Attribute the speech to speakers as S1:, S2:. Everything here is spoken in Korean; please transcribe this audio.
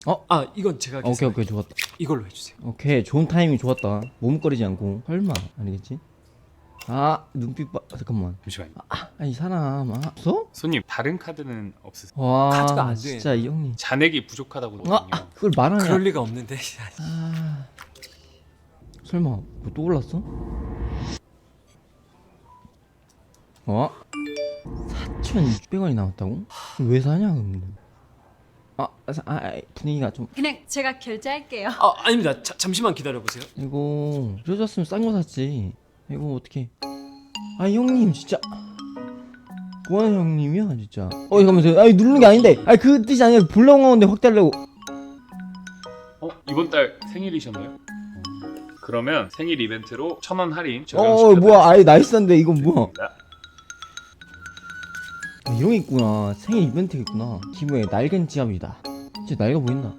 S1: 이건 제가
S2: 오케이 오케이 좋았다.
S1: 이걸로 해주세요.
S2: 오케이 좋은 타이밍 좋았다. 머뭇거리지 않고. 설마 아니겠지? 눈빛 봐. 잠깐만.
S1: 잠시만요.
S2: 아니 사람 없어?
S1: 손님 다른 카드는 없으세요?
S2: 와
S1: 카드가 안 돼.
S2: 진짜 이 형님.
S1: 잔액이 부족하다고 그러거든요.
S2: 그걸 말하냐?
S1: 그럴 리가 없는데.
S2: 설마 뭐 또 올랐어? 4,600원이 남았다고? 왜 사냐 그럼? 분위기가 좀.
S3: 그냥 제가 결제할게요.
S1: 아닙니다. 잠시만 기다려 보세요.
S2: 이거 그래줬으면 싼 거 샀지. 이거 어떻게? 형님 진짜. 뭐하는 형님이야 진짜. 잠깐만 누르는 게 아닌데. 그 뜻이 아니라 불러온 건데 확대하려고.
S1: 이번 달 생일이셨나요? 그러면 생일 이벤트로 1,000원 할인
S2: 뭐야? 나이스한데 이건 뭐야?
S1: 적용시켜드리겠습니다.
S2: 이런 게 있구나. 생일 이벤트가 있구나. 기부에 낡은 지갑이다. 진짜 낡아 보인다.